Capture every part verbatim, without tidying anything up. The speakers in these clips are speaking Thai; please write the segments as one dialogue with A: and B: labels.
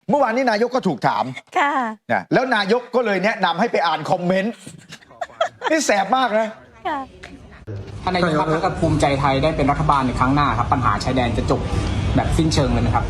A: เมื่อวานนี้นายกก็ถูกถาม
B: ค่ะ
A: นะแล้วนายกก็เลยแนะนำให้ไปอ่านคอมเมนต์นี่แสบมากนะ
B: ค่ะ
C: ท่านนายกครับถ้าเกิดภูมิใจไทยได้เป็นรัฐบาลในครั้งหน้าครับปัญหาชายแดนจะจบแบบสิ้นเชิงเลยไหมครับ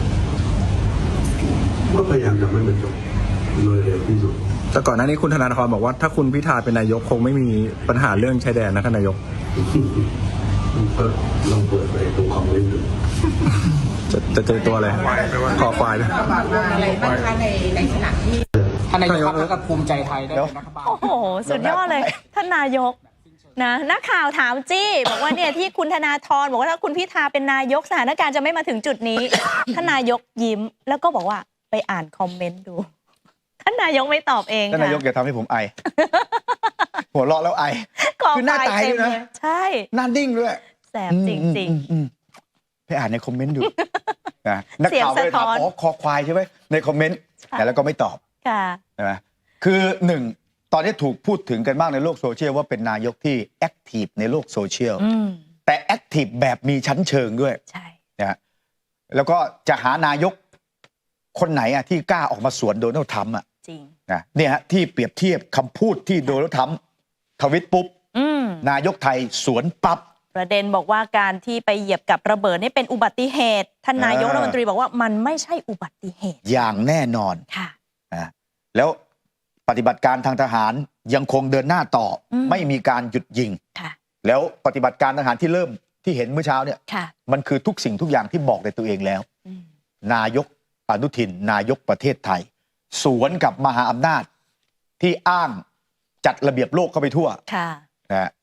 D: ก็พยายามจะไม่เป็นจบโดยเร็วที่สุด
E: แต่ก่อนหน้านี้คุณธนาธรบอกว่าถ้าคุณพิธาเป็นนายกคงไม่มีปัญหาเรื่องชายแดนนะท่านนายก
D: ก็ลองเปิดไปตรงคอมเมนต์ดู
E: จะจะเจอตัวอะไรขอควาย
F: อะไรบ้างคะในในขณะที่
C: ท่านนายกครับถ้าเกิดภูมิใจไทยได้เป็นรัฐบาล
B: โอ้โหสุดยอดเลยท่านนายกนะนักข่าวถามจี้บอกว่าเนี่ยที่คุณธนาธรบอกว่าถ้าคุณพิธาเป็นนายกสถานการณ์จะไม่มาถึงจุดนี้ ท่านนายกยิ้มแล้วก็บอกว่าไปอ่านคอมเมนต์ดูท่านนายกไม่ตอบเอง
A: ท่านนายกอย่าทำให้ผมไอหัวเราะแล้วไอคือหน้าตายด้วยนะ
B: ใช่
A: หน้าดิ้งด้วย
B: แสบจริง
A: ๆไปอ่านในคอมเมนต์ดูนะนักข่าวไปถามอ๋อคอควายใช่ไหมในคอมเมนต์แต่แล้วก็ไม่ตอบ
B: ค่ะ
A: ใช่ไหมคือหนึ่งตอนนี้ถูกพูดถึงกันมากในโลกโซเชียลว่าเป็นนายกที่แอคทีฟในโลกโซเชียลแต่แอคทีฟแบบมีชั้นเชิงด้วย
B: ใช่
A: นะแล้วก็จะหานายกคนไหนอ่ะที่กล้าออกมาสวนโดนัลด์ทรัมป์อ่ะ
B: จริง
A: นะเนี่ยฮะที่เปรียบเทียบคำพูดที่โดนัลด์ทรัมป์ทวิตปุ๊บนายกไทยสวนปั๊บ
B: ประเด็นบอกว่าการที่ไปเหยียบกับระเบิดนี่เป็นอุบัติเหตุท่านนายกรัฐมนตรีบอกว่ามันไม่ใช่อุบัติเหตุ
A: อย่างแน่นอน
B: ค่ะ
A: นะแล้วปฏิบัติการทางทหารยังคงเดินหน้าต่อไม่มีการหยุดยิงแล้วปฏิบัติการทหารที่เริ่มที่เห็นเมื่อเช้าเนี่ยมันคือทุกสิ่งทุกอย่างที่บอกในตัวเองแล้วนายกอนุทินนายกประเทศไทยสวนกับมหาอำนาจที่อ้างจัดระเบียบโลกเข้าไปทั่วนะ